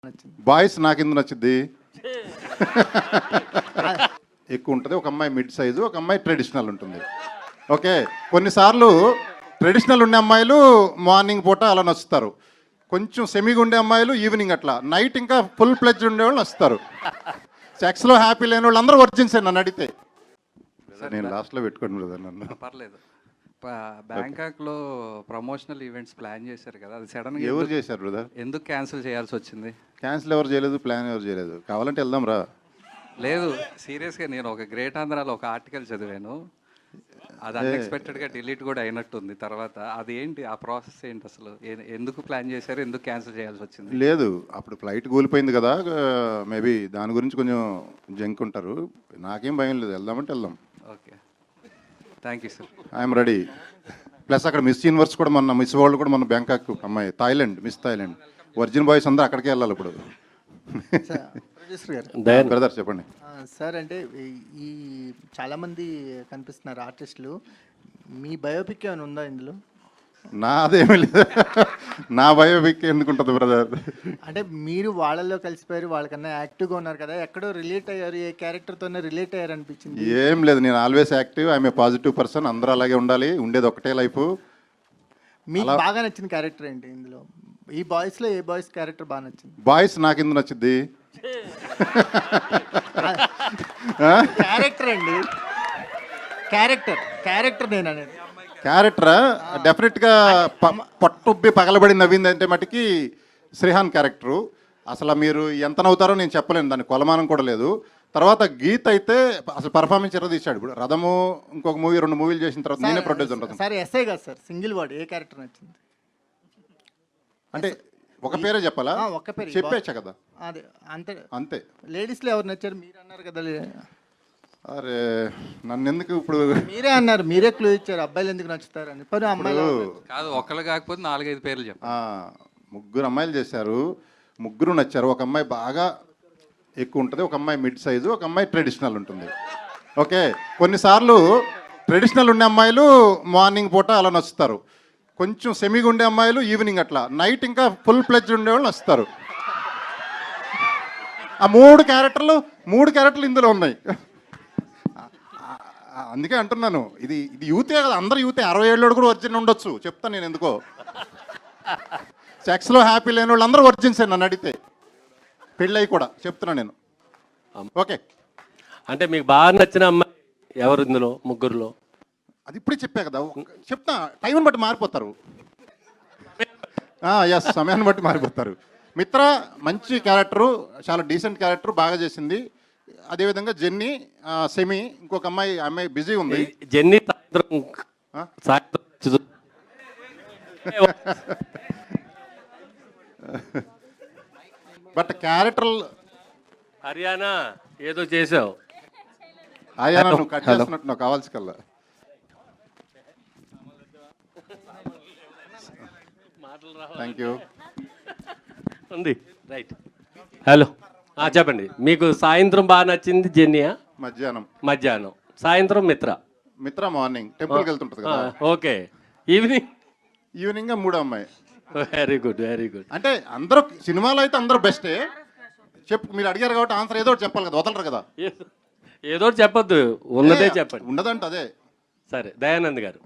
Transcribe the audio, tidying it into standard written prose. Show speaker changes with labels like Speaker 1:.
Speaker 1: Boys నాకెందుకు నచ్చింది ఎక్కువ ఉంటుంది. ఒక అమ్మాయి మిడ్ సైజు, ఒక అమ్మాయి ట్రెడిషనల్ ఉంటుంది. ఓకే, కొన్నిసార్లు ట్రెడిషనల్ ఉండే అమ్మాయిలు మార్నింగ్ పూట అలా నచ్చుతారు, కొంచెం సెమీగా ఉండే అమ్మాయిలు ఈవినింగ్ అట్లా, నైట్ ఇంకా ఫుల్ ప్లెడ్జ్ ఉండేవాళ్ళు నచ్చుతారు. సెక్స్లో హ్యాపీ లేని వాళ్ళు అందరూ వర్జిన్సే నన్ను అడిగితే. నేను లాస్ట్లో పెట్టుకోండి బ్రదర్ నన్ను.
Speaker 2: పర్లేదు. బ్యాంకాక్లో ప్రమోషనల్ ఈవెంట్స్ ప్లాన్ చేశారు కదా, అది సడన్గా
Speaker 1: ఎవరు చేశారు బ్రదర్?
Speaker 2: ఎందుకు క్యాన్సిల్ చేయాల్సి వచ్చింది?
Speaker 1: క్యాన్సిల్ ఎవరు చేయలేదు, ప్లాన్ ఎవరు చేయలేదు. కావాలంటే వెళ్దాం రా.
Speaker 2: లేదు, సీరియస్గా నేను ఒక గ్రేట్ ఆంధ్రాలో ఒక ఆర్టికల్ చదివాను, అది అన్ఎక్స్పెక్టెడ్గా డిలీట్ కూడా అయినట్టుంది తర్వాత. అది ఏంటి, ఆ ప్రాసెస్ ఏంటి అసలు? ఎందుకు ప్లాన్ చేశారు, ఎందుకు క్యాన్సిల్ చేయాల్సి వచ్చింది?
Speaker 1: లేదు, అప్పుడు ఫ్లైట్ కూలిపోయింది కదా, మేబీ దాని గురించి కొంచెం జంక్ ఉంటారు. నాకేం భయం లేదు, వెళ్దామంటే వెళ్దాం.
Speaker 2: Okay, thank you sir.
Speaker 1: I'm ready. Plus అక్కడ మిస్ యూనివర్స్ కూడా మొన్న, మిస్ వరల్డ్ కూడా మన బ్యాంకాక్ అమ్మాయి, Thailand, miss Thailand. Virgin boys అందరూ అక్కడికే వెళ్ళాలి ఇప్పుడు.
Speaker 3: ప్రొడ్యూసర్ గారు,
Speaker 1: బ్రదర్ చెప్పండి
Speaker 3: సార్. అంటే ఈ చాలామంది కనిపిస్తున్నారు ఆర్టిస్టులు, మీ బయోపిక్ ఏమైనా ఉందా ఇందులో?
Speaker 1: నాదేమీ లేదు. నా బయోపిక్ ఎందుకుంటుంది బ్రదర్?
Speaker 3: అంటే మీరు వాళ్ళల్లో కలిసిపోయారు, వాళ్ళకన్నా యాక్టివ్గా ఉన్నారు కదా, ఎక్కడో రిలేట్ అయ్యారు, ఏ క్యారెక్టర్తోనే రిలేట్ అయ్యారు అనిపించింది.
Speaker 1: ఏం లేదు, నేను always active, I'm a positive person. అందరూ అలాగే ఉండాలి, ఉండేది ఒకటే లైఫ్.
Speaker 3: మీకు బాగా నచ్చిన క్యారెక్టర్ ఏంటి ఇందులో? ఈ బాయ్స్లో ఏ బాయ్స్ క్యారెక్టర్ బాగా నచ్చింది?
Speaker 1: బాయ్స్ నాకెందుకు నచ్చింది?
Speaker 3: క్యారెక్టర్ అండి, క్యారెక్టర్ నేను అనేది.
Speaker 1: క్యారెక్టరా? డెఫినెట్గా పట్టుబ్బి పగలబడి నవ్వింది అంటే మటుకి శ్రీహాన్ క్యారెక్టరు. అసలు మీరు ఎంత నవ్వుతారో నేను చెప్పలేను, దాని కొలమానం కూడా లేదు. తర్వాత గీత్ అయితే అసలు పర్ఫార్మెన్స్ ఎర్ర తీశాడు. ఇప్పుడు రథము ఇంకొక మూవీ, 2 మూవీలు చేసిన తర్వాత నేనే ప్రొడ్యూసర్ రథం.
Speaker 3: సార్ ఎస్ఐ కాదు sir, single word, a character నచ్చింది?
Speaker 1: అంటే ఒక పేరే చెప్పాలా?
Speaker 3: ఒక్క పేరు
Speaker 1: చెప్పేచ్చా కదా,
Speaker 3: అదే అంతే
Speaker 1: అంతే.
Speaker 3: లేడీస్లో ఎవరు నచ్చారు? మీరు అన్నారు కదా.
Speaker 1: అరే నన్ను ఎందుకు ఇప్పుడు?
Speaker 3: మీరే అన్నారు, మీరే క్లూ ఇచ్చారు అబ్బాయిలు ఎందుకు నచ్చుతారు అని. పని అమ్మాయిలు
Speaker 2: కాదు, ఒక్కళ్ళు కాకపోతే 4-5 పేర్లు చెప్పు.
Speaker 1: 3 అమ్మాయిలు చేశారు, 3 నచ్చారు. ఒక అమ్మాయి బాగా ఎక్కువ ఉంటుంది, ఒక అమ్మాయి మిడ్ సైజు, ఒక అమ్మాయి ట్రెడిషనల్ ఉంటుంది. ఓకే, కొన్నిసార్లు ట్రెడిషనల్ ఉండే అమ్మాయిలు మార్నింగ్ పూట అలా నచ్చుతారు, కొంచెం సెమీగా ఉండే అమ్మాయిలు ఈవినింగ్ అట్లా, నైట్ ఇంకా ఫుల్ ప్లెడ్జ్ ఉండేవాళ్ళు నచ్చుతారు. ఆ 3 క్యారెక్టర్లు ఇందులో ఉన్నాయి. అందుకే అంటున్నాను, ఇది యూతే కదా, అందరు యూతే. 60 ఏళ్ళు కూడా వర్జిన్ ఉండొచ్చు, చెప్తాను నేను ఎందుకో. సెక్స్లో హ్యాపీ లేని వాళ్ళు అందరూ వర్జిన్సే నన్ను అడిగితే, పెళ్ళయి కూడా చెప్తున్నా నేను. ఓకే,
Speaker 4: అంటే మీకు బాగా నచ్చిన అమ్మాయి ఎవరు ఇందులో 3లో?
Speaker 1: అది ఇప్పుడే చెప్పా కదా, చెప్తా. టైంని బట్టి మారిపోతారు. ఎస్, సమయాన్ని బట్టి మారిపోతారు. మిత్ర మంచి క్యారెక్టరు, చాలా డీసెంట్ క్యారెక్టర్, బాగా చేసింది. అదేవిధంగా జెన్నీ, సెమీ, ఇంకొక అమ్మాయి బిజీ ఉంది.
Speaker 4: జెన్నీ
Speaker 1: బట్ క్యారెక్టర్
Speaker 4: హర్యానా ఏదో చేసావు.
Speaker 1: ఆయా నువ్వు కట్ చేస్తున్నట్టు నాకు కావాల్సి కల్లా. Thank you.
Speaker 4: ఉంది రైట్. హలో, చెప్పండి. మీకు సాయంత్రం బాగా నచ్చింది జెన్నీయా? మధ్యాహ్నం. సాయంత్రం మిత్ర
Speaker 1: మార్నింగ్ టెంపుల్కి వెళ్తుంటుంది కదా.
Speaker 4: ఓకే, ఈవినింగ్
Speaker 1: 3 అమ్మాయి.
Speaker 4: Very good.
Speaker 1: అంటే అందరూ సినిమాలో అయితే అందరూ బెస్టే. మీరు అడిగారు కాబట్టి ఆన్సర్ ఏదో ఒకటి చెప్పాలి కదా, వదలరు కదా.
Speaker 4: ఏదో చెప్పొద్దు, ఉన్నదే చెప్పండి.
Speaker 1: ఉండదంట అదే.
Speaker 4: సరే, దయానంద్ గారు.